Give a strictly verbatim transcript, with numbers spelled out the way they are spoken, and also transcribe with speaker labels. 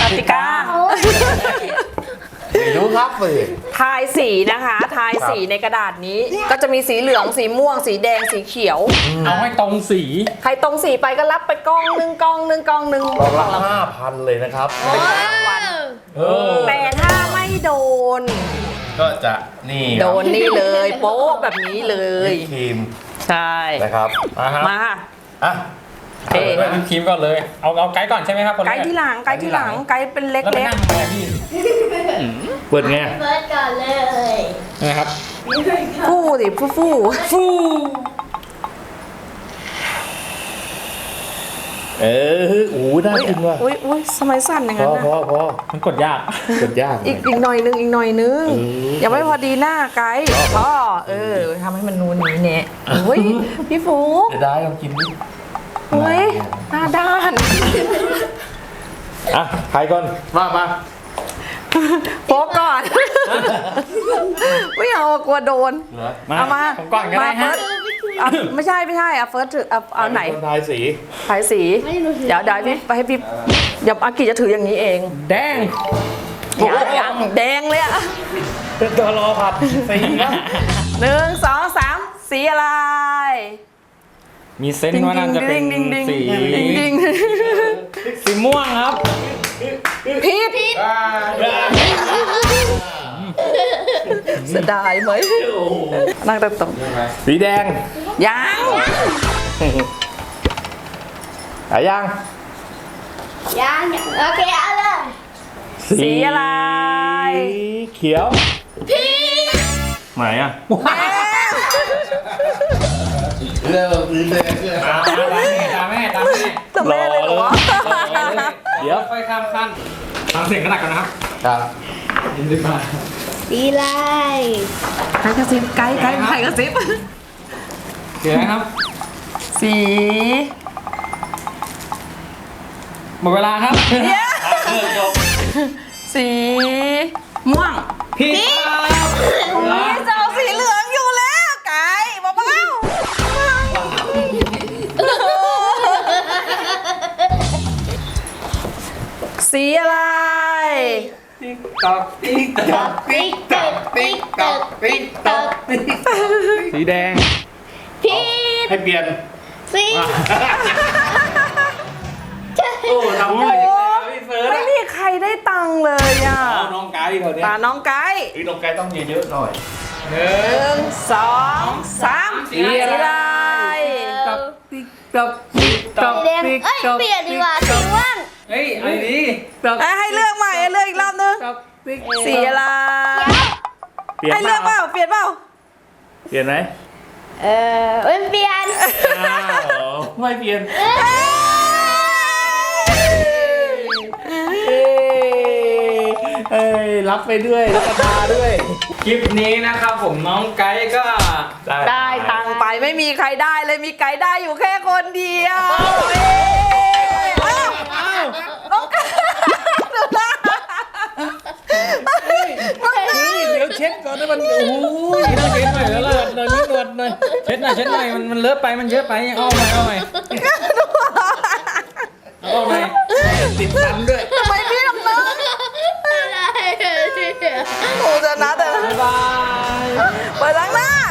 Speaker 1: ติกา
Speaker 2: ไม่รู้ครับเลย
Speaker 1: ทายสีนะคะทายสีในกระดาษนี้ก็จะมีสีเหลืองสีม่วงสีแดงสีเขียว
Speaker 3: เอาให้ตรงสี
Speaker 1: ใครตรงสีไปก็รับไปกองหนึ่งกองหนึ่งกองหนึ่ง
Speaker 2: กองละห้าพันเลยนะครับเป็นรางวัล
Speaker 1: แต่ถ้าไม่โดน
Speaker 2: ก็จะนี่
Speaker 1: โดนนี่เลยโป๊ะแบบนี้เลย
Speaker 2: ทีม
Speaker 1: ใช่
Speaker 2: นะครับ
Speaker 3: มาครับ
Speaker 1: มา
Speaker 2: อ่ะ
Speaker 1: เอ๊ะ
Speaker 3: วิปครีมก่อนเลยเอาเอาไกด์ก่อนใช่ไหมครับคนแรก
Speaker 1: ไกด์ที่หลังไกด์ที่หลังไกด์เป็นเล็ก
Speaker 3: แล้วไป
Speaker 1: เล็ก
Speaker 3: นั่งทำไมพี่
Speaker 2: เปิดไง
Speaker 4: เปิดก่อนเลย
Speaker 3: นะครับ
Speaker 1: ฟู่สิฟู่ฟู่ฟู่
Speaker 2: เออโอ้น่ากินว่ะ
Speaker 1: อุ้ยอุ้ยสมัยสั้นอย่าง
Speaker 2: พ
Speaker 1: นั้
Speaker 2: อน พอ
Speaker 1: นะ
Speaker 2: พอ
Speaker 3: มันกดยาก
Speaker 2: กดยาก
Speaker 1: อีกอีกหน่อยนึงอีกหน่อยนึงยังไม่พอดีหน้าไกด์พ่อเออทำให้มันนูนนี้เนี่ยโอ้ยพี่ฟู
Speaker 2: เดี๋ยวได้ลองกินดิ
Speaker 1: โอ้ยหน้าด้าน
Speaker 2: อ่ะใครก่อนว่ามา
Speaker 1: โป๊ะก่อนไม่เอากลัวโดนเอามา
Speaker 3: ผมก่อนก็ได้ฮะ
Speaker 1: อ่ะไม่ใช่ไม่ใช่อ่ะเฟิร์สถือเอาเอาไหน
Speaker 2: คนทายสี
Speaker 1: ทายสีเดี๋ยวเดี๋ยวพี่ไปให้พี่เดี๋ยวอากิจะถืออย่างนี้เอง
Speaker 3: แดง
Speaker 1: ยังยังแดงเลยอ่ะ
Speaker 2: เป็นตัวรอผัดสีนะ
Speaker 1: หนึ่งสองสามสีอะไร
Speaker 3: มีเซนส์ว่าน่าจะเป็น
Speaker 1: ดิ้งดิ้ง
Speaker 3: สี
Speaker 1: ดิ้งดิ้ง
Speaker 3: สีม่วงครับ
Speaker 1: ผิดเสียดายไหมนั่งตรง
Speaker 2: สีแดง
Speaker 1: ๆยัง
Speaker 2: อะยัง
Speaker 4: ยังโอเคเอาเลย
Speaker 1: สีอะไร
Speaker 2: สีเขียวไหนอ่ะเรื่องสีแดงเนี่ย
Speaker 3: ตามแม่ตามแม่ตามแม่
Speaker 1: แต่แม่เลยเหรอวะ
Speaker 3: เดี๋ยวค่อยข้ามขั้นฟังเสียงกระดักกันนะครับ
Speaker 2: ครับ
Speaker 3: ยินดีมาก
Speaker 4: สีลาย
Speaker 1: ใครกระซิบไกด์ไกด์ใครกระซิบ
Speaker 3: เสียงนะครับ
Speaker 1: สี
Speaker 3: หมดเวลาครับ
Speaker 1: สีม่วง
Speaker 3: พี่ครับ
Speaker 1: นี่จะเอาสีเหลืองอยู่แล้วไก่เบาๆสีอะไร
Speaker 3: ติ๊กตอกติ๊กตอก
Speaker 4: ติ๊กต๊อกติ๊กต๊อกติ๊กต๊อก
Speaker 3: สีแดง
Speaker 4: ผิด
Speaker 2: ให้เปลี่ยน
Speaker 4: สี
Speaker 2: โอ้ทำได้
Speaker 1: โอ้ไม่มีใครได้ตังค์เลยอ่ะ
Speaker 2: น้องไก่เขาเนี่ย
Speaker 1: ตาน้องไก่
Speaker 2: ไอ้น้องไก่ต้องเยอะๆหน่อย
Speaker 3: หนึ่
Speaker 1: หนึ่งสองสามสีอะไร
Speaker 3: ตอกติ๊กตอกติ๊กตอก
Speaker 4: สีแดงเอ้ยเปลี่ยนดีกว่าสีม่วง
Speaker 3: เฮ้ยไอ้นี่ตอก
Speaker 1: เอ้ยให้เลือกใหม่ให้เลือกอีกรอบนึง
Speaker 3: ตอกติ๊ก
Speaker 1: สีอะไร
Speaker 2: เปลี่ยน
Speaker 1: ให้เลือกเปล่าเปลี่ยนเปล่า
Speaker 2: เปลี่ยนไหม
Speaker 4: เออเอ้ยเปลี่ยน
Speaker 2: อ้าวไม่เปลี่ยนเอ้ยรับไปด้วยรับประทานด้วย
Speaker 3: คลิปนี้นะครับผมน้องไกด์ก็
Speaker 1: ได้ตังค์ไปไม่มีใครได้เลยมีไก่ได้อยู่แค่คนเดียวเอ้ยอ้าวน้องไก่ดูหน้า
Speaker 3: เดี๋ยวเช็ดก่อนนะมันโอ้ยน่าเช็ดหน่อยแล้วล่ะหน่อยนิดหน่อยหน่อยเช็ดหน่อยเช็ดหน่อยมันมันเลอะไปมันเยอะไปเอาใหม่เอาใหม่เอาใหม่ติดฟันด้วย
Speaker 1: ทำไมพี่ทำน้า
Speaker 4: อะไรเนี่ย
Speaker 1: โอ้จะนะแต่
Speaker 3: บ๊ายบาย
Speaker 1: เปิดล้างหน้า